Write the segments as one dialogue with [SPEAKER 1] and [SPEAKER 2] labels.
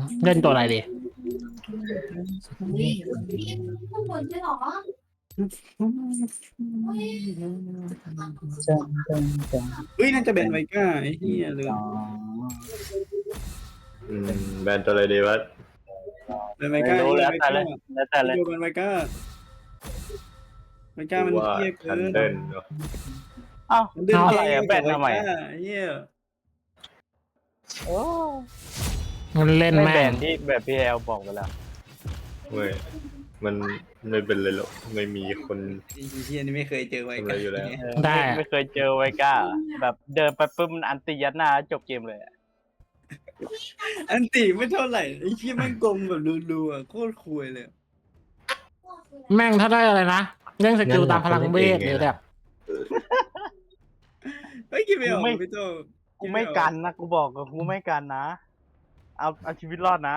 [SPEAKER 1] เล่นตัวอะไรดี
[SPEAKER 2] ข้างบนใช่หรอ
[SPEAKER 3] เฮ้ยน่าจะแบนไวก้าไอ้เหี้ยเลย
[SPEAKER 4] แบนตัวอะไรดีวะ
[SPEAKER 3] แบนไว
[SPEAKER 5] ไม่
[SPEAKER 3] ก้า
[SPEAKER 5] รู้แล้ว
[SPEAKER 3] ไว
[SPEAKER 5] แต่
[SPEAKER 3] ก้า
[SPEAKER 5] เลยแล้วแต่เลย
[SPEAKER 3] ดูแบนไวก้าไวก้ามัน
[SPEAKER 4] ว่า
[SPEAKER 3] เหี้ยเกิ
[SPEAKER 4] ทัน
[SPEAKER 3] น
[SPEAKER 4] เดิลเนอะ
[SPEAKER 5] เอ้า
[SPEAKER 3] มันเดิน
[SPEAKER 5] เอา
[SPEAKER 3] เหี้
[SPEAKER 5] อะไร
[SPEAKER 3] ย
[SPEAKER 5] อะแบนทำไม
[SPEAKER 3] ไวก้าเหี้ย
[SPEAKER 5] โอ้
[SPEAKER 1] มันเล่น
[SPEAKER 5] ไม่
[SPEAKER 1] แม่
[SPEAKER 5] แบ
[SPEAKER 1] ง
[SPEAKER 5] นที่แบบพี่แอลบอกไปแล้ว
[SPEAKER 4] ไม่มันไม่เป็นเลยหรอกไม่มีคน
[SPEAKER 3] ไอ้เหี้ยนี่ไม่เคยเจอไว
[SPEAKER 4] ทำอะไร
[SPEAKER 3] ก้า
[SPEAKER 4] อยู่แล้ว
[SPEAKER 1] ได้
[SPEAKER 5] ไม่เคยเจอไวก้า แบบเดินไปปุ๊บมันอันตียัดหน้าจบเกมเลยอะ
[SPEAKER 3] อันติไม่เท่าไหร่ไอ้เหี้ยแม่งกลมแบบรัวๆโคตรคุยเลย
[SPEAKER 1] แม่งถ้าได้อะไรนะเรื่องสกิลตามพลังเวทหรือแบบ
[SPEAKER 3] เฮ้ยคิดไม่ออกพี่โต
[SPEAKER 5] กูไม่กันนะกูบอกกับกูไม่กันนะ เอาชีวิตรอดนะ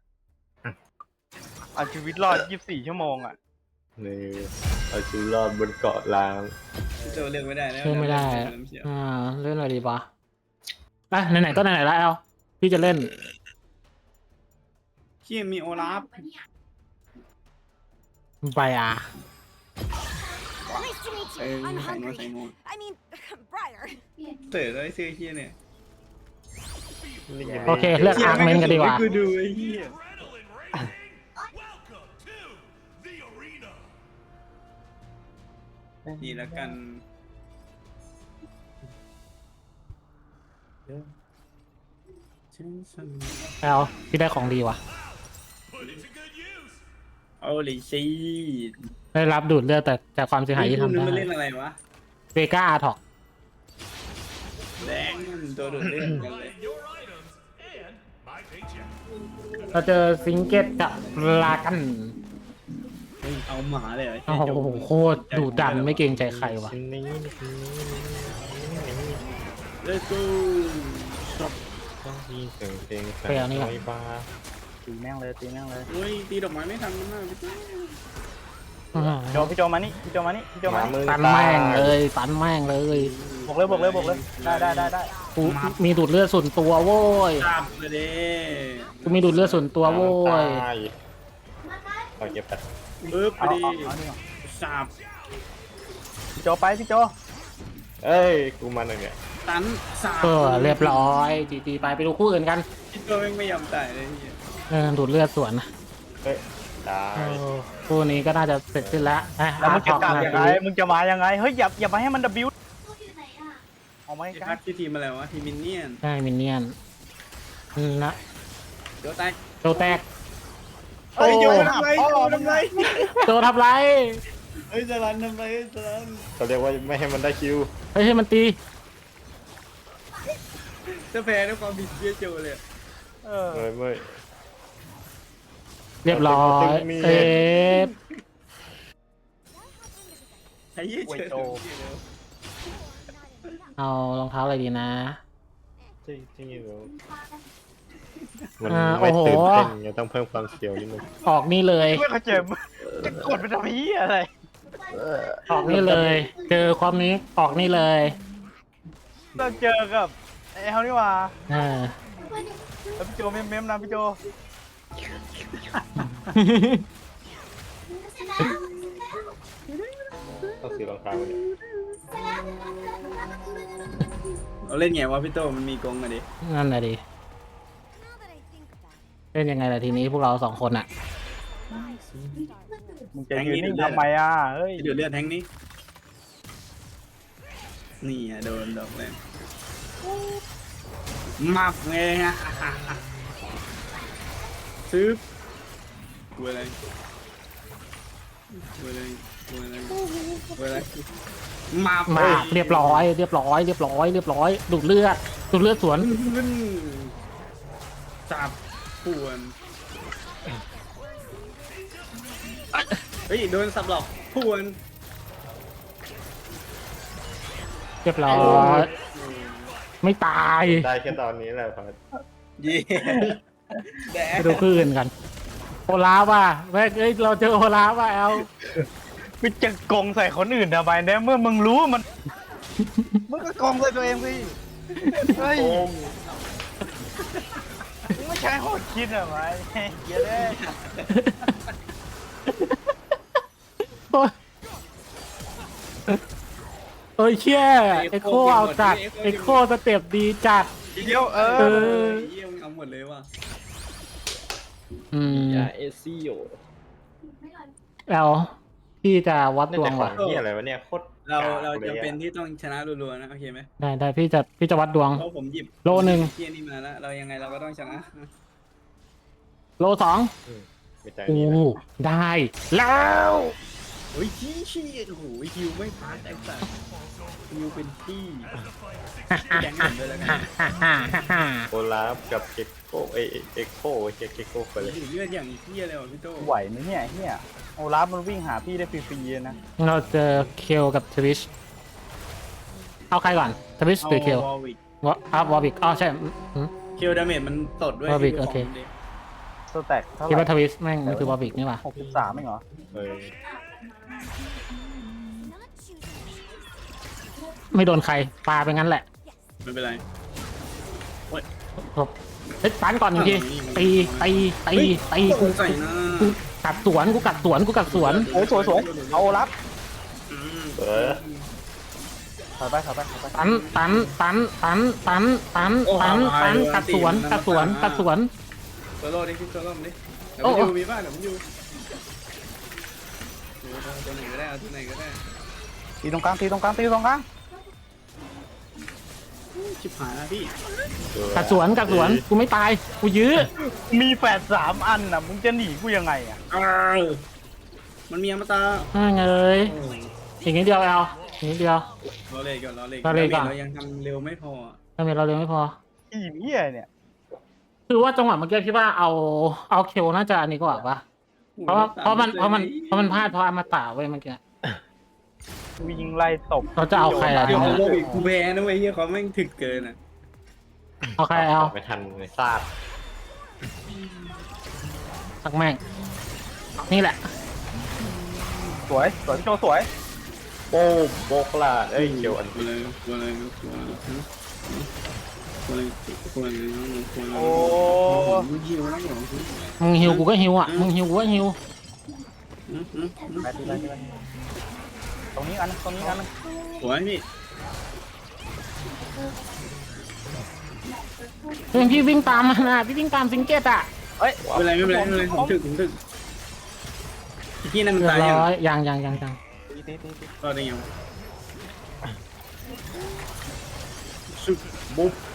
[SPEAKER 5] เอาชีวิตรอด 24 ชั่วโมงอ่ะ
[SPEAKER 4] นี่เอาชีวิตรอดบนเกาะล้าง
[SPEAKER 3] พี่โตเลือกไม่ได้แล้ว
[SPEAKER 1] เล่นไม่ได้
[SPEAKER 3] เสีย
[SPEAKER 1] เล่นอะไรดีปะอ่ะไหนๆก็ไหนๆแล้วเอาพี่จะเล่น
[SPEAKER 3] เหี้ยมีโอลาฟ
[SPEAKER 1] ไปอ่ะ
[SPEAKER 6] Nice to meet
[SPEAKER 3] เอ
[SPEAKER 6] you.
[SPEAKER 3] อ
[SPEAKER 6] I'm
[SPEAKER 3] ใส่งวใส่
[SPEAKER 6] hungry.
[SPEAKER 3] งว
[SPEAKER 6] I mean, Briar.
[SPEAKER 3] เต๋อเลยเสื้อเหี้ยเนี่ย
[SPEAKER 1] โอเคเลือกอาร์คเมนกันดีกว่า
[SPEAKER 3] กูดูไอ้เหี้ย นี่แล้วกัน
[SPEAKER 1] เอาพี่ได้ของดีว่ะ
[SPEAKER 3] โอ้ลิชี
[SPEAKER 1] ได้รับดูดเลือดแต่จากความเสียหายที่ทำ
[SPEAKER 3] นึ
[SPEAKER 1] ได้
[SPEAKER 3] มันเล่นอะไรวะ
[SPEAKER 1] เวก้าอาร์ท็อก
[SPEAKER 3] แดงตัวดูดเลือดกันเลย
[SPEAKER 1] เราเจอซิงเกตกับลากัน
[SPEAKER 3] เฮ้ยเอาหมาเลยเหรอ
[SPEAKER 1] โอ้โหโคตรดุดันไม่เกรงใจใครว่ะ
[SPEAKER 3] เลสกู
[SPEAKER 4] ต้องมีเสียงเพลง
[SPEAKER 1] ไปเอานี่ก่อน
[SPEAKER 4] บ้า
[SPEAKER 5] ตีแม่งเลยตีแม่งเลย
[SPEAKER 3] เฮ้ยตีดอกไม้ไม่ทันมันมากพี่โต
[SPEAKER 5] พี่โจมานี่พี่โจมานี่พี่โจมานี่
[SPEAKER 1] ตันแม่งเลยตันแม่งเลย
[SPEAKER 5] บอกเลยได้
[SPEAKER 1] กูมีดูดเลือดส่วนตัวโว้ย
[SPEAKER 3] จับเลยเด้
[SPEAKER 1] กูมีดูดเลือดส่วนตัวโว้ย
[SPEAKER 4] ตายขอเก็บแป๊บ
[SPEAKER 3] ปึ๊บไป
[SPEAKER 5] เอา
[SPEAKER 3] ดิ
[SPEAKER 5] เอานี่ก่อน
[SPEAKER 3] สับ
[SPEAKER 5] พี่โจไปพี่โจ
[SPEAKER 4] เอ้ยกูมาหน่อยเนี่ย
[SPEAKER 3] ตันสับ
[SPEAKER 1] เรียบร้อยจีไปดูคู่อื่นกัน
[SPEAKER 3] พี่โตแม่งไม่ยอมตายเลยเหี้ย
[SPEAKER 1] ดูดเลือดส่วนนะ
[SPEAKER 4] เฮ้ยตาย
[SPEAKER 1] คู่นี้ก็น่าจะเสร็จสิ้นแล้ว
[SPEAKER 5] แล้วมึงจะกลับยังไงมึงจะมายังไงเฮ้ยอย่ามาให้มัน W เอาไหม
[SPEAKER 3] ไอ้
[SPEAKER 5] กั
[SPEAKER 3] พั
[SPEAKER 5] น
[SPEAKER 3] กที่ทีมอะไรวะทีมมินเนี่ยน
[SPEAKER 1] ใช่มินเนี่ยนนะ
[SPEAKER 3] เดี๋ยวแตก
[SPEAKER 1] โจแตก
[SPEAKER 3] เฮ้ยโยนทำไรโยนทำไร
[SPEAKER 1] โจทำไร
[SPEAKER 3] เฮ้ยสลันทำไรสลัน
[SPEAKER 4] เขาเรียกว่าไม่ให้มันได้คิว
[SPEAKER 1] เฮ้ยให้มันตี
[SPEAKER 3] จะแพ้ด้วยความผิดเชี่ยโจเลย
[SPEAKER 5] เออ
[SPEAKER 4] เมื่อย
[SPEAKER 1] เรียบร้อยเอฟ
[SPEAKER 3] ไอ้เหี้ยเจอ
[SPEAKER 1] เอารองเท้าอะไรดีนะ
[SPEAKER 4] จริงๆอยู่มันไม่ตื่นเต้นไงต้องเพิ่มความเสียวนิดนึง
[SPEAKER 1] ออกนี่เลย
[SPEAKER 5] ไม่เข้าใจมึงจะกดไปทำไมเหี้ยอะไร
[SPEAKER 1] ออกนี่เลย เจอความนี้ออกนี่เลย
[SPEAKER 5] ต้องเจอกับไอ้เขานี่หว่า
[SPEAKER 1] เออ
[SPEAKER 5] แล้วพี่โจเม้มๆนะพี่โจ
[SPEAKER 4] ต้องซื้อรองเท้าเนี่ย
[SPEAKER 3] เราเล่นไงวะพี่โตมันมีกงอะดิ
[SPEAKER 1] นั่นแหละดิ
[SPEAKER 6] Now that I think about it,
[SPEAKER 1] เล่นยังไงล่ะทีนี้พวกเราสองคนอะ
[SPEAKER 5] มึงจะยืนนิ่งทำไมอ่ะเฮ้ย
[SPEAKER 3] เดือดเลือดแทงนี้นี่อะโดนดอกเลยมับไงฮะซื้อกูอะไรกูอะไรกูอะไรกูอะไรมับ
[SPEAKER 1] มาเรียบร้อย ดูดเลือดสวน
[SPEAKER 3] ขึ้นจับป่วนเฮ้ยโดนสับหลอกป่วน
[SPEAKER 1] เรียบร้อย ไม่ตาย
[SPEAKER 4] ได้แค่ตอนนี้แหละพัด
[SPEAKER 3] เย่แด
[SPEAKER 1] ไปดูคลื่นกัน โอลาฟว่ะแม่งเอ้ยเราเจอโอลาฟว่ะแอล
[SPEAKER 5] มึงจะโกงใส่คนอื่นทำไมเนี่ยเมื่อมึงรู้มันมึงก็โกงใส่ตัวเองสิเฮ้ยมึงไม่ใช่โหดคิดเหรอไหมเยอะเลย
[SPEAKER 1] โอ้ยเอ้ยเชี่ยเอ็กโคเอาจัดเอ็กโคสเต็ปดีจัด
[SPEAKER 5] ทีเดียว
[SPEAKER 1] เออ
[SPEAKER 3] เยี่ยมเอาหมดเลยว่ะ
[SPEAKER 1] อืม
[SPEAKER 4] ยาเอซิโอ
[SPEAKER 1] แล้วพี่จะวัด
[SPEAKER 4] น่า
[SPEAKER 1] ดว
[SPEAKER 4] จะ
[SPEAKER 1] ง
[SPEAKER 4] ขอ
[SPEAKER 1] ว่ะ
[SPEAKER 4] งที่อะไรวะเนี่ยโคตร
[SPEAKER 3] เรา
[SPEAKER 4] กกลย
[SPEAKER 3] จำ
[SPEAKER 4] อะ
[SPEAKER 3] เป็นที่ต้องชนะรัวๆนะโอเคไหม
[SPEAKER 1] ได้พี่จะวัดดวง
[SPEAKER 3] เพราะผมหยิบ
[SPEAKER 1] โลหนึ่ง
[SPEAKER 3] เที่ยนี่มาแล้วเรายังไงเราก็ต้องชนะ
[SPEAKER 1] โลสอง
[SPEAKER 4] ไม่ใจ
[SPEAKER 1] โอ้
[SPEAKER 4] นี้นะ
[SPEAKER 1] ได้แล้ว
[SPEAKER 3] โอ้ยชี้โอ้โหฮิวไม่พลาดไอ้สัสฮิวเป็นที่แดงหมดเลยแล้วกัน
[SPEAKER 4] โอลาฟกับเก็กโก้เอ็กโก้เก็กโก้ไปเลย
[SPEAKER 3] ถือเลือดอย่างเที่ยเลยว่ะพี่โต
[SPEAKER 5] ไหวไหมเนี่ยเฮียโอลาฟมันวิ่งหาพี่ได้ฟรีๆนะ
[SPEAKER 1] เราเจอเคลกับทวิชเอาใครก่อนทวิชหรือเคล
[SPEAKER 3] วอลวิก
[SPEAKER 1] วอร์วิกอ๋อใช่อืม
[SPEAKER 3] คิวดาเมจมันตดด้วย
[SPEAKER 1] Warwick
[SPEAKER 3] ที่
[SPEAKER 1] โอเค
[SPEAKER 3] ขงมันดิ
[SPEAKER 5] สแต็กเท่าไห
[SPEAKER 1] คิดว่าท
[SPEAKER 5] ร่
[SPEAKER 1] วิชแม่งมันคือวอร์วิกนี่หว่า
[SPEAKER 5] 63ไม่เหรอ
[SPEAKER 4] เออ
[SPEAKER 1] ไม่โดนใครปาไปงั้นแหละ
[SPEAKER 3] ไม่เป็นไร
[SPEAKER 1] เฮ้ยปันก่อนหนึ่งทีตีกู
[SPEAKER 3] ใส่หน้า
[SPEAKER 1] กูกัดสวนกูกัดสวน
[SPEAKER 5] สวยเอาโอลาฟ
[SPEAKER 3] อืม
[SPEAKER 4] เออ
[SPEAKER 5] ถอยไป
[SPEAKER 1] ตันกัดสวน
[SPEAKER 3] โซโล่ดิพี่โซโล่ดิเดี๋ยว
[SPEAKER 1] โอ้
[SPEAKER 3] มันอยู่มีบ้านเดี๋ยวมันอยู่ตัวไหนก็ได้เอาตัวไหนก็ได้
[SPEAKER 5] ตีตรงกลาง
[SPEAKER 3] ชิบหายแล้วพี่
[SPEAKER 1] กัดสวนกูไม่ตายกูยื้อ
[SPEAKER 5] มีแฝด3อันน่ะมึงจะหนีกูยังไงอ่ะ
[SPEAKER 3] มันมีอมตะ
[SPEAKER 1] เอ้ยอีกนิดเดียวเอาอีกนิดเดียว
[SPEAKER 3] รอเลยก่อน
[SPEAKER 1] รอเลยก่อน
[SPEAKER 3] เรายังทำเร็วไม่พอ
[SPEAKER 1] ทำไมเราเร็วไม่พอ
[SPEAKER 5] อีเหี้ยเนี่ย
[SPEAKER 1] คือว่าจังหวะเมื่อกี้คิดว่าเอาเคลน่าจะอันนี้กว่าปะเพราะมันพลาดเพราะอมตะเว้ยเมื่อกี้
[SPEAKER 5] วิ่งไล่ตบ
[SPEAKER 1] เราจะเอาใครล่ะ
[SPEAKER 3] เดี๋ยวโลกอีกกูแพ้นะเว้ยเฮียเขาแม่งถึกเกินอ่ะ
[SPEAKER 1] เอาใครเอา
[SPEAKER 4] ไม่ทันเลยซาด
[SPEAKER 1] ตักแม่งนี่แหละ
[SPEAKER 5] สวยพี่โจสวย
[SPEAKER 4] โป้โบกลาดเอ้ยเขียวอัน
[SPEAKER 3] กูเลย
[SPEAKER 5] โอ้
[SPEAKER 3] มึงหิวแล้วเหรอ
[SPEAKER 1] มึงหิวกูก็หิวอ่ะมึงหิวกูก็หิว
[SPEAKER 5] ไปตรงนี้อันนึง
[SPEAKER 3] สวยพี่
[SPEAKER 1] เฮ้ยพี่วิ่งตามมานะพี่วิ่งตามซิงเก็ตอ่ะ
[SPEAKER 5] เฮ้ย
[SPEAKER 3] ไม่เป็นไรผมถึกพี่นั่นมัน
[SPEAKER 1] เรีย
[SPEAKER 3] ตาย
[SPEAKER 1] บ
[SPEAKER 3] ยัง
[SPEAKER 1] ร้อยยัง
[SPEAKER 5] ตี
[SPEAKER 3] รอได้ยังสุดบุ๊บ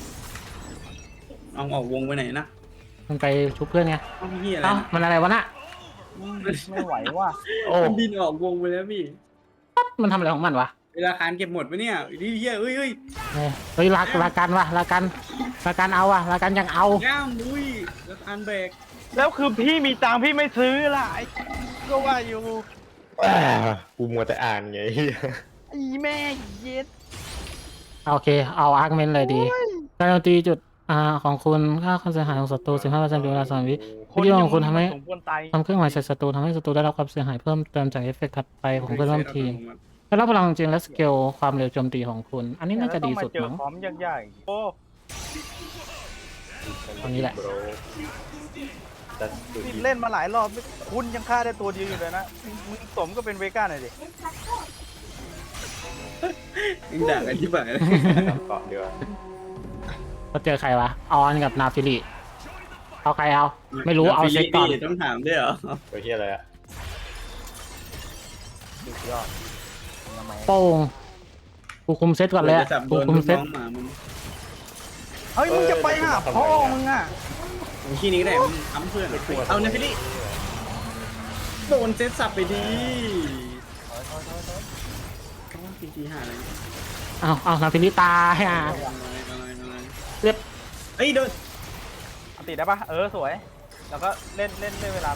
[SPEAKER 3] เอาออกวงไปไหนนะ
[SPEAKER 1] มันไปชุบเพื่อนไง
[SPEAKER 3] เอาพี่อะไร
[SPEAKER 1] เอ้ามันอะไรวะน่ะ
[SPEAKER 5] ไม่ไหวว่ะ
[SPEAKER 4] โอ้
[SPEAKER 3] มันบินออกวงไปแล้วพี่
[SPEAKER 1] มันทำอะไรของมันวะ
[SPEAKER 3] เวลาคานเก็บหมดปะเนี่ยดิเฮียเอ้ย
[SPEAKER 1] เฮ้ยลากันวะลากันเอาวะลากันยังเอา
[SPEAKER 3] ย่างมุ้ยแล้วคานแบก
[SPEAKER 5] แล้วคือพี่มีตังค์พี่ไม่ซื้อล่ะไอ้ก็ว่าอยู่
[SPEAKER 4] กูมัวแต่อ่านไง
[SPEAKER 5] ไอ้แม่เย็ด
[SPEAKER 1] โอเคเอาอาร์กเมนเลยดีการโจมตีจุดของคุณค่าความเสียหายของศัตรู 15%เป็นเวลา3 วิวิธีของคุณทำให้
[SPEAKER 5] สมควรตาย
[SPEAKER 1] ทำเครื่องหมายใส่ศัตรูทำให้ศัตรูได้รับความเสียหายเพิ่มเติมจากเอฟเฟกต์ถัดไปของเพื่อนร่วมทีมได้รับพลังจริงและสเกลความเร็วโจมตีของคุณ อันนี้น่าจะดีสุด
[SPEAKER 5] แล้วต้องมาเจอ
[SPEAKER 1] มั้ง
[SPEAKER 5] พร้อมยากๆโอ้
[SPEAKER 1] ตรงนี้แหละ
[SPEAKER 5] นี่เล่นมาหลายรอบคุณยังฆ่าได้ตัวเดียวอยู่เลยนะมึงสมก็เป็นเวก้าหน่อยดิ
[SPEAKER 3] ยิงด่ากันที่บ่ายเลย
[SPEAKER 4] เกาะดีกว่า
[SPEAKER 1] ก็เจอใครวะออนกับนาฟิลิเอาใครเอาไม่รู้เอาเช็คก่อน
[SPEAKER 3] ต้องถามด้วยเหรอ
[SPEAKER 4] ตัวเฮียอะไรอะ
[SPEAKER 5] สุดยอดทำไม
[SPEAKER 1] โป้งกูคุมเซตก่อนเลยอะกูคุมเซต
[SPEAKER 3] หมามึง
[SPEAKER 5] เฮ้ยมึงจะไปหาพ่อมึงอ่ะ
[SPEAKER 3] ขี้นี้ก็ได้มึงทำเพื่อนเอาเนฟิลี่โดนเซตสับไปดีจริงๆหาอะไร
[SPEAKER 1] เอานาฟิลิตายอ่ะเรียบ
[SPEAKER 3] เฮ้ยโดน
[SPEAKER 5] เอาติดได้ปะสวย แล้วก็เล่นเวลาไป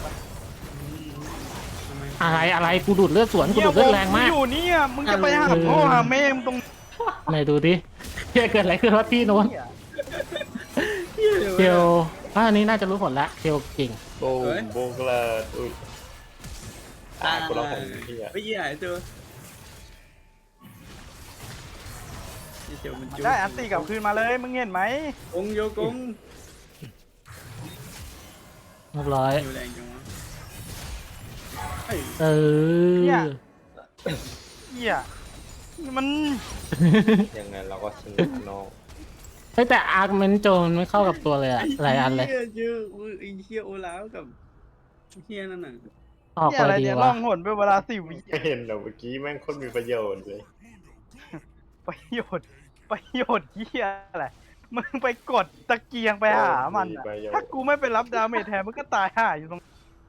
[SPEAKER 1] อะไรกูดูดเลือดสวนกูดูดเลือดแรงมาก
[SPEAKER 5] อยู่นี่อ่ะมึงจะไปหาพ่อหาแม่มึงตรง
[SPEAKER 1] ไหนดูดิเกิดอะไรขึ้นวะที่โน้น
[SPEAKER 5] เนี่ย
[SPEAKER 1] เกลอันนี้น่าจะรู้ผลละเกลเก่ง
[SPEAKER 4] โป้โบกลาดอุ้ยกูร้องของเฮีย
[SPEAKER 3] ไม่ยี่หายตัวเดี๋ยวมัน
[SPEAKER 5] ได้อันตีกลับคืนมาเลยมึงเห็นไหม
[SPEAKER 3] กงโยกง
[SPEAKER 1] เรียบร้อย
[SPEAKER 3] ฮิวแรงจังวะเอ้ย
[SPEAKER 1] เออ
[SPEAKER 5] เหี้ยมัน
[SPEAKER 4] ยังไงเราก็สนุกน้อง
[SPEAKER 1] เฮ้ยแต่อาร์คเมนโจนไม่เข้ากับตัวเลยอะหลายอันเลย
[SPEAKER 3] เหี้ยเยอะไอ้เหี้ยโอลาฟกับเหี้ยนั่นน่ะ
[SPEAKER 1] ออก
[SPEAKER 5] เหี้ย
[SPEAKER 1] ไป
[SPEAKER 5] อะไร
[SPEAKER 1] ดี
[SPEAKER 5] เนี่ย
[SPEAKER 1] วะ
[SPEAKER 5] ล่องหนไปเวลา10 วิ
[SPEAKER 4] เห็นแล้วเมื่อกี้แม่งโคนมีประโยชน์เลย
[SPEAKER 5] ประโยชน์เหี้ยอะไรมึงไปกดตะเกียงไปหามันอะถ้ากูไม่ไปรับดาเมจแทนมันก็ตายห่าอยู่ตรง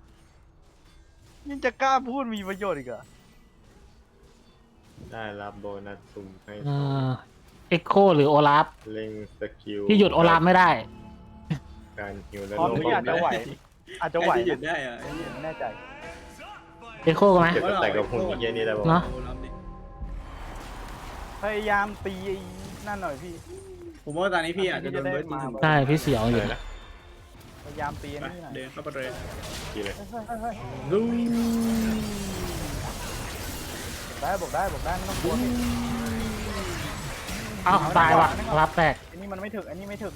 [SPEAKER 5] ยังจะกล้าพูดมีประโยชน์อีกเหรอ
[SPEAKER 4] ได้รับโบนัสสุ่มให้
[SPEAKER 1] เอ็กโคหรือโอลาฟ
[SPEAKER 4] เล็งสกิล
[SPEAKER 1] ที่หยุดโอลาฟไม่ได้
[SPEAKER 4] การฮิวและ
[SPEAKER 5] พร้อม
[SPEAKER 4] ลง
[SPEAKER 5] ที่อาจจะไหว อาจจะไหว
[SPEAKER 3] ไอ้ที่หยุด
[SPEAKER 5] นะ
[SPEAKER 3] ได้อะไอ้เหี้ย
[SPEAKER 5] ไม่แน่ใจ
[SPEAKER 1] เอ็กโคกันไหม
[SPEAKER 4] เก็บแต่กับหุ่นเยี่ยนี่ได้ป่ะ
[SPEAKER 1] เนอะ
[SPEAKER 3] โอลาฟดิ
[SPEAKER 5] พยายามตีไอ้นั่นหน่อยพี่
[SPEAKER 3] ผมว่าตอนนี้พี่อาจจะโดนเบิร์ดยิงถึง
[SPEAKER 1] ใช่พี่เสียวอยู่
[SPEAKER 4] เลยนะ
[SPEAKER 5] พยายามตีไอ้
[SPEAKER 3] ไป
[SPEAKER 5] นี่หน่อย
[SPEAKER 3] เดินเข้าไปเลย
[SPEAKER 4] กี่เลย
[SPEAKER 3] ดู
[SPEAKER 5] บอกได้ไม่ต้องกลัวพี่
[SPEAKER 1] เอ้าตายว่ะรับแตก
[SPEAKER 5] อันนี้มันไม่ถึก อันนี้ไม่ถึก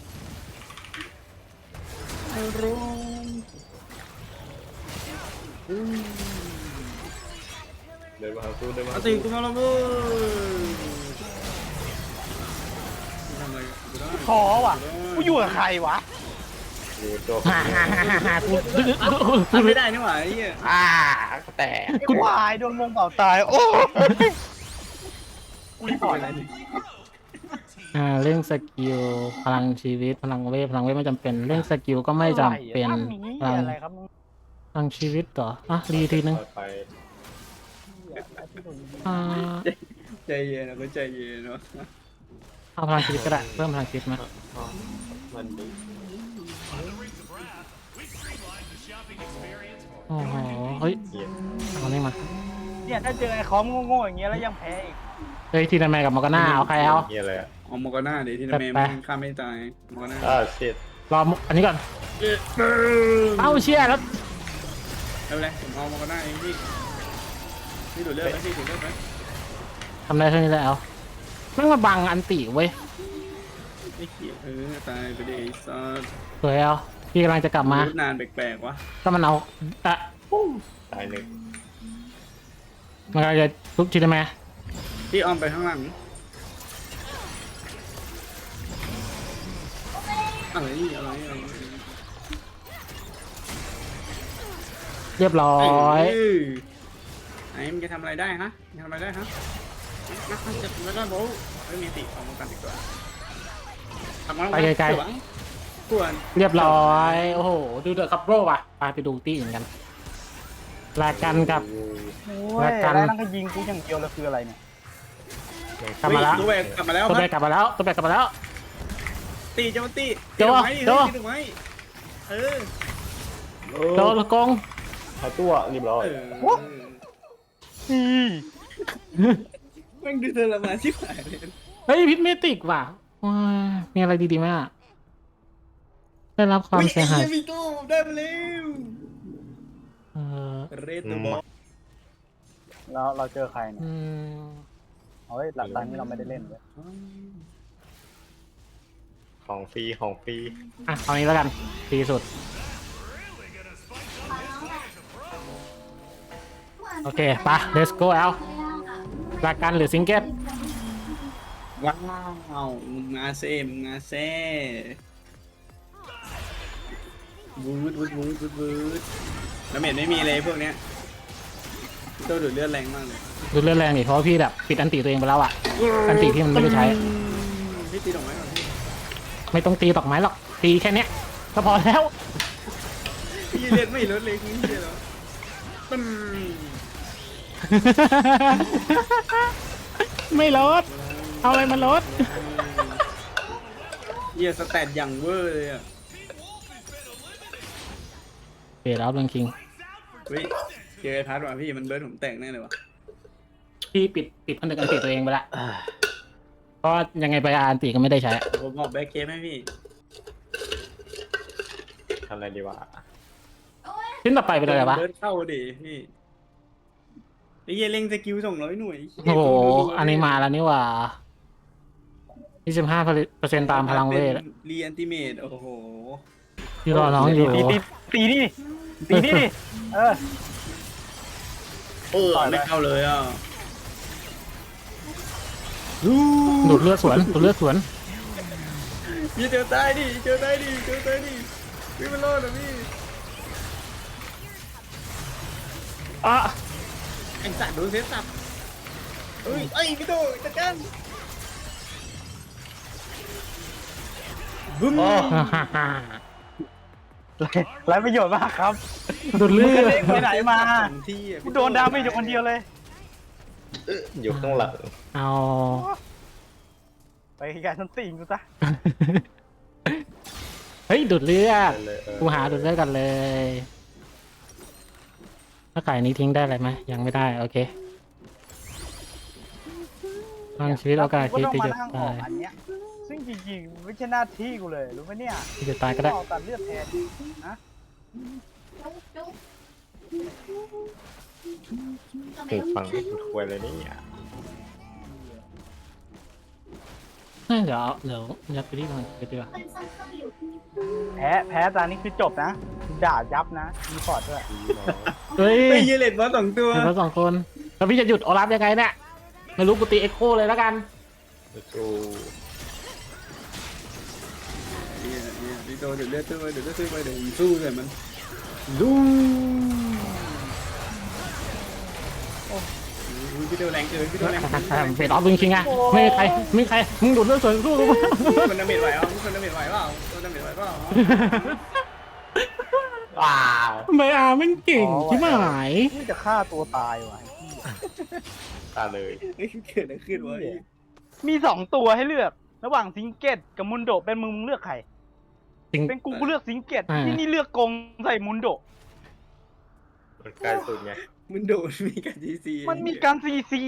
[SPEAKER 4] เดินมาหาสู้เดินมา
[SPEAKER 3] เอา
[SPEAKER 4] หา
[SPEAKER 3] ตี
[SPEAKER 4] สู้
[SPEAKER 3] กูมาแล้วเว้ยทำอะไรกูได้
[SPEAKER 5] ท้อว่ะ กูอยู่กับใครวะ
[SPEAKER 4] อยู่ตัว
[SPEAKER 1] ฮ่าฮ่าฮ่าฮ่ากู
[SPEAKER 3] ทำไม่ได้นี่หว่าไอ้เหี้ย
[SPEAKER 1] แต่
[SPEAKER 5] กูตายโดนวงเป่าตาย โอ้กูรีพอร์ตอะไรดิ
[SPEAKER 1] เร่งสกิลพลังชีวิตพลังเวทไม่จำเป็นเร่งสกิลก็ไม่จำเป็น
[SPEAKER 5] ทำอย่างนี้
[SPEAKER 1] พลัง
[SPEAKER 5] อะไรครับมึง
[SPEAKER 1] พลังชีวิตต่ออ่ะรีทีนึง
[SPEAKER 4] ไป
[SPEAKER 1] อ่า
[SPEAKER 3] ใจเย็นนะก็ใจเย็นเนาะ
[SPEAKER 1] เอาพลังชีวิตก็ได้เพิ่มพลังชีวิตมา
[SPEAKER 4] มันดี
[SPEAKER 1] โอ้โหเฮ้ย
[SPEAKER 4] เหี้ย
[SPEAKER 1] เอานี่มา
[SPEAKER 5] เนี่ยถ้าเจอไอ้คอมโง่ๆอย่างเงี้ยแล้วยังแพ้อีก
[SPEAKER 1] เฮ้ยทีนันแมกับมอร์กาน่าเอาใครเอา
[SPEAKER 4] เหี้ยอะไรอ่ะ
[SPEAKER 3] เอาโมกาน่าเดี๋ยวที่
[SPEAKER 1] ไป
[SPEAKER 3] ทำไมมันฆ่าไม่ตายโมกาน่า
[SPEAKER 4] เช็ด
[SPEAKER 1] รออันนี้ก่อนเอ้าเชี่ยแล้ว
[SPEAKER 3] ไม่เป็นไรผมเอาโมกาน่าเองพี่ดูดเลือดไหมพี่ดูดเลือดไหม
[SPEAKER 1] ทำได้เท่านี้แล้วแม่งมาบังอันติเว้ย
[SPEAKER 3] ไม่เขียตายไปดิไอ้สัส
[SPEAKER 1] สวยเอาพี่กำลังจะกลับมา
[SPEAKER 3] นานแปลกๆวะ
[SPEAKER 1] ก็มันเอาอะ
[SPEAKER 4] ตายหนึ่ง
[SPEAKER 1] มันกำลังจะทุบทีนันแม
[SPEAKER 3] พี่อ้อมไปข้างหลังอะไรอะไร
[SPEAKER 1] เรียบร้อย
[SPEAKER 3] ไอ้มันจะทำอะไรได้ฮะจะทำอะไรได้ฮะนักจะแล้วก็โบ้ไม่มีติออกมากันดีกว่าทำมา
[SPEAKER 1] ไปไกล
[SPEAKER 3] ควร
[SPEAKER 1] เรียบร้อยโอ้โหดูเดอะคัพโร่ว่ะไปดูตี้เหมือนกันลากันกับ
[SPEAKER 5] โอ้
[SPEAKER 1] แล้
[SPEAKER 5] ยว
[SPEAKER 1] กัน
[SPEAKER 5] แล้วนั่งก็ยิงกูอย่างเดียวเลยคืออะไรเนี่ย
[SPEAKER 1] กลับมาแล้ว
[SPEAKER 3] ตัวแบกกลับมาแล้ว
[SPEAKER 1] ตัว
[SPEAKER 3] ค
[SPEAKER 1] แบ
[SPEAKER 3] รั
[SPEAKER 1] กกลับมาแล้วตัวแบกกลับมาแล้ว
[SPEAKER 3] ตีจะมาตี
[SPEAKER 1] โจ้โจ้
[SPEAKER 3] ตีถูกไหมเออ
[SPEAKER 1] โดนกง
[SPEAKER 4] หาตัวเรียบร้อย
[SPEAKER 5] อืม
[SPEAKER 3] แม่งดูเธอละมาชิบหายเลย
[SPEAKER 1] เฮ้ยพิษเมติกว่ะว้ามีอะไรดีๆไหมอ่ะได้รับความเสียหาย
[SPEAKER 3] มีตู้ได้มาแล้ว
[SPEAKER 1] เออ
[SPEAKER 3] เรตตัวบอล
[SPEAKER 5] แล้วเราเจอใครเนี่ย
[SPEAKER 1] อืม
[SPEAKER 5] เฮ้ยหลังตอนนี้เราไม่ได้เล่นเลย
[SPEAKER 4] ของฟรีของฟรี
[SPEAKER 1] อ่ะเอานี้แล้วกันดีสุด โอเคไป let's go เอาลากันหรือซิงเกิล
[SPEAKER 3] ว้าวมึงมาเซ่มึงมาเซ่วูดแล้วเม็ดไม่มีเลยพวกเนี้ยตัวดูดเลือดแรงมากเลย
[SPEAKER 1] ดูเรื่องแรงดิเพราะว่าพี่แบบปิดอันติตัวเองไปแล้วอ่ะ อันติที่มันไม่ได้ใช้
[SPEAKER 3] พี่ตีดอกไม้ก่อนพี่
[SPEAKER 1] ไม่ต้องตีดอกไม้หรอก ตีแค่เนี้ยก็พอแล้ว
[SPEAKER 3] พี่เลือดไม่ลดเลยนี่เดียวตึ้ม
[SPEAKER 1] ไม่ลด เอาอะไรมาลด
[SPEAKER 3] เฮียสแตทอย่างเวอร์เลยอ่ะ
[SPEAKER 1] เปลี่ยนแล้วเรื่องคิง
[SPEAKER 3] เฮ้ยเจอไอ้พัดว่ะพี่มันเบิร์ดผมแตกแน่เลยว่ะ
[SPEAKER 1] พี่ปิดอันติตัวเองไปละเพราะยังไงไปอันติก็ไม่ได้ใช้
[SPEAKER 3] ผมบอกแบ็คเคมให้พี่
[SPEAKER 4] ทำอะไรดีวะ
[SPEAKER 1] ชิ้นต่อไปเป็นอะไรวะ
[SPEAKER 3] เบิร์ดเข้าดิพี่ไอ้เหี้ยเล็งสกิล200หน่วย
[SPEAKER 1] โอ้โห อันนี้มาแล้วนี่หว่า 25% ตามพลังเวท
[SPEAKER 3] รีแอนติเมตโอ้โห
[SPEAKER 1] ที่รอน้องอยู่
[SPEAKER 5] ตีนี่ตีนี่ดิเออ
[SPEAKER 3] ไม่เข้าเลยอ่ะ
[SPEAKER 1] ดูดเลือดสวนดูดเลือดสวน
[SPEAKER 3] พี่เจอตายดิเจอตายดิเจอตายดิพี่มันรอดนะพี่
[SPEAKER 1] อ่ะ
[SPEAKER 3] ไอ้สัตว์โดนเซฟสับเอ้ยไอ้พี่โตจัดการบึ้ม
[SPEAKER 5] ไรประโยชน์มากครับ
[SPEAKER 1] ดูดเลือด
[SPEAKER 5] ไปไหนมา
[SPEAKER 3] ที่
[SPEAKER 5] กูโดนดาเมจอยู่คนเดียวเลย
[SPEAKER 4] อยู่ข้างหลัง
[SPEAKER 1] เอา
[SPEAKER 5] ไปไกลๆฉันตีกูซะ
[SPEAKER 1] เฮ้ยดูดเลือด
[SPEAKER 4] เลย
[SPEAKER 1] กูหาดูดเลือดกันเลยถ้าไก่นี้ทิ้งได้อะไรไหมยังไม่ได้โอเคทางชีวิตโอกาส
[SPEAKER 5] กู
[SPEAKER 1] ที่
[SPEAKER 5] ต้อง
[SPEAKER 1] จะ
[SPEAKER 5] มา
[SPEAKER 1] หยุด
[SPEAKER 5] นั่งอ
[SPEAKER 1] ตา
[SPEAKER 5] อก
[SPEAKER 1] ย
[SPEAKER 5] อันเนี้ยซึ่งจริงๆไม่ใช่หน้าที่กูเลยรู้ไหมเนี่ย
[SPEAKER 1] ที่จะตายก็ได้
[SPEAKER 5] ออกตัดเลือดแทนนะ
[SPEAKER 2] จุ๊บทำไม
[SPEAKER 4] ถึง
[SPEAKER 2] ต้อง
[SPEAKER 4] ฟัง
[SPEAKER 2] คิด
[SPEAKER 4] คุยเลยนี่อ่ะ
[SPEAKER 1] เดี๋ยวยัดไปที่มันไปดีกว่า
[SPEAKER 2] มันซ้ำๆอยู่
[SPEAKER 5] แพ้ตอนนี้คือจบนะด่ายับนะมีฟอร์ดด้วย
[SPEAKER 1] เฮ้ย
[SPEAKER 3] ไปยืนเล่นบอล2 ตัว
[SPEAKER 1] เห็นแล้ว2 คนแล้วพี่จะหยุดโอลาฟยังไงเนี่ยไม่รู้กูตีเอ็กโคเลยแล้วกัน
[SPEAKER 4] สู้
[SPEAKER 3] พี่โตเดี๋ยวเลือดซื้อไปเดี๋ยวซื้อไปเดี๋ยวสู้เลยมันดูพี่โตแรงเกินพี่โตแรง
[SPEAKER 1] เฟดออฟจริงๆอะไม่มีใครมึงดูดเลือดสวนสู้กู
[SPEAKER 3] มันดาเมจไหวอ่ะมันดาเมจไหวเปล่ามันดาเมจไหวเปล่า
[SPEAKER 4] ว้าว
[SPEAKER 1] ไม่อามันเก่งที่หมาย
[SPEAKER 5] นี่จะฆ่าตัวตายว่ะ
[SPEAKER 4] ตาเลย
[SPEAKER 3] เกิดอะไรขึ้นวะ
[SPEAKER 5] มี2ตัวให้เลือกระหว่างซิงเก็ตกับมุนโดเป็นมึงเลือกใคร
[SPEAKER 1] จริง
[SPEAKER 5] เป็นกูเลือกซิงเก็ต
[SPEAKER 1] อ่า
[SPEAKER 5] ที่นี่เลือกกงใส่มุนโด
[SPEAKER 4] มันใกล้สุดไง
[SPEAKER 3] มันโดนมีการจีซี
[SPEAKER 5] มันมีการซีซี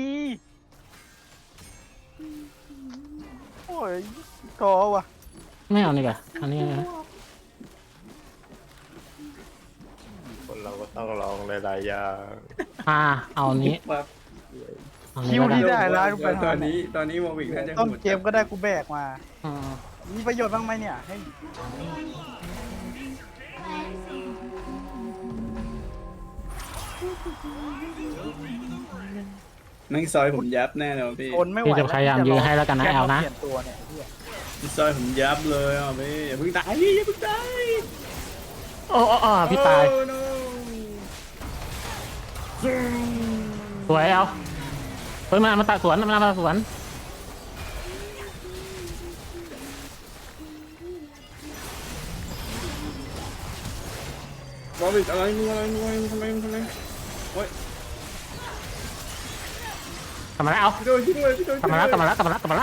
[SPEAKER 5] โอ้ยท้อว่ะ
[SPEAKER 1] ไม่เอานี่กว่าอันนี้นะ
[SPEAKER 4] คนเราก็ต้องลองหลายๆอย่าง
[SPEAKER 1] เอานี้
[SPEAKER 3] ปั๊บ
[SPEAKER 1] เอา
[SPEAKER 5] คิ
[SPEAKER 1] นี้
[SPEAKER 5] ว
[SPEAKER 1] แล้วกัน
[SPEAKER 5] ที่ได้แล้วไป
[SPEAKER 3] ตอนนี้โมวิกน่าจะ
[SPEAKER 5] ต้นเกมก็ได้กูแบกมา
[SPEAKER 1] อืม
[SPEAKER 5] มีประโยชน์บ้างไหมเนี่ยให้
[SPEAKER 3] นั่งซอยผมยับแน่เลยพี่
[SPEAKER 5] ทนไม่ไหว
[SPEAKER 1] พี่จะพยายามยื้อให้แล้วกันนะแอลนะ
[SPEAKER 5] เปลี่ยนตัวเนี่ยเหี้ย
[SPEAKER 3] ซอยผมยับเลยอ่ะพี่อย่าเพิ่งตายพี่อย่าเพิ่งตาย
[SPEAKER 1] โอ้พี่ตาย
[SPEAKER 3] โอ้ no
[SPEAKER 1] สวยเอาเฮ้ยมาตัดสวนมาตัดสวน
[SPEAKER 3] บอลบิดอะไรมึงทำไมโอ้ย
[SPEAKER 1] กลับมาแล้วเอา
[SPEAKER 3] พี่โดนช่วยด้วยพี่โดน
[SPEAKER 1] กลับมาแล้ว
[SPEAKER 3] มัน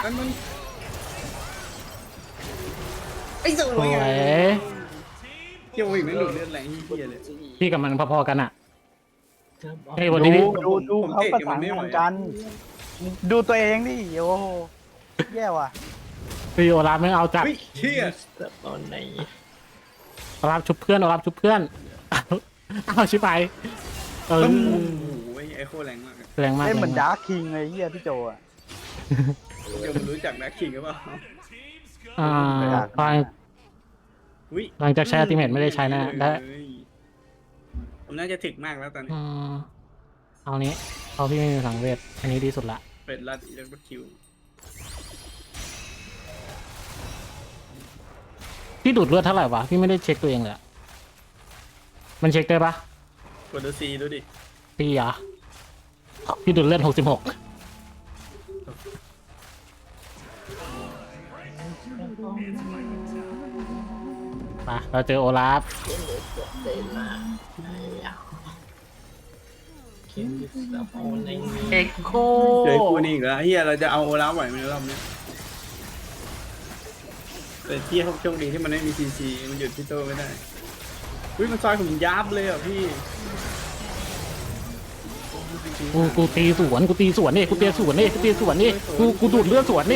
[SPEAKER 3] ไอ้ส
[SPEAKER 1] ส
[SPEAKER 3] ว
[SPEAKER 1] วย ย
[SPEAKER 3] เกี่ยวอีกไม่หลุดเลือดแรงเฮียเลย
[SPEAKER 1] พี่กับมันพอๆกันอ่ะเฮ้ยวันนี้พี่
[SPEAKER 5] ดูเขาประสานงานกัน ดูตัวเองดิโอ้โหแย่ว่ะ
[SPEAKER 1] พี่โอลาฟไม่เอาจัด
[SPEAKER 3] เฮ้ยเฮีย
[SPEAKER 4] ตอนไหน
[SPEAKER 1] โอลาฟชุบเพื่อนเอาชิบไป
[SPEAKER 3] โอ้โหไอ้โคแรงมาก
[SPEAKER 1] แรงมาก
[SPEAKER 5] เล่นเหมือนดาร์คคิงเลยเฮียพี่โจอ่ะ
[SPEAKER 3] เดี๋ยวมันรู้จักนักขิงหรือเปล่า
[SPEAKER 1] หลังจากใช้อัลติเมทไม่ได้ใช้นะได้
[SPEAKER 3] ผมน่าจะถึกมากแล้วตอนนี้
[SPEAKER 1] เอานี้เอาพี่ไม่มีสังเวชอันนี้ดีสุดละ
[SPEAKER 3] เป็นรัดอิเล็กทรคิว
[SPEAKER 1] พี่ดูดเลือดเท่าไหร่วะพี่ไม่ได้เช็คตัวเองเลยอะมันเช็คได้ปะ
[SPEAKER 3] กดดูซีดูดิ
[SPEAKER 1] พี่เหรอพี่ดูดเลือด66มาเราเจอโอลาฟเอ็กโค
[SPEAKER 3] เจอคู่นี้อีกแล้วเฮียเราจะเอาโอลาฟไหวไหมรอบนี้แต่ที่เขาโชคดีที่มันไม่มีซีซีมันหยุดพี่โตไม่ได้อุ้ยมันซอยผมยับเลยอ่ะพี่
[SPEAKER 1] กูตีสวนนี่กูตีสวนนี่กูดูดเลือดสวนนี่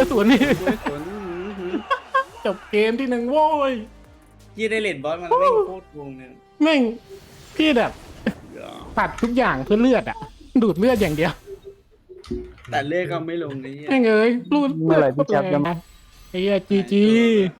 [SPEAKER 1] จบเกมที่1โว้ย
[SPEAKER 3] ยี่ได้เลดบอสมันไม่โคตรวงเนี่ย
[SPEAKER 1] แม่งพี่แบบตัดทุกอย่างเพื่อเลือดอ่ะ ดูดเลือดอย่างเดียว
[SPEAKER 3] แต่เลือดก็ไม่ลงนี่
[SPEAKER 1] แม่งเอ้ยรูด
[SPEAKER 5] เมื่อไหร่พี่แจ๊บจะมา
[SPEAKER 1] ไอ้เหี้ยจี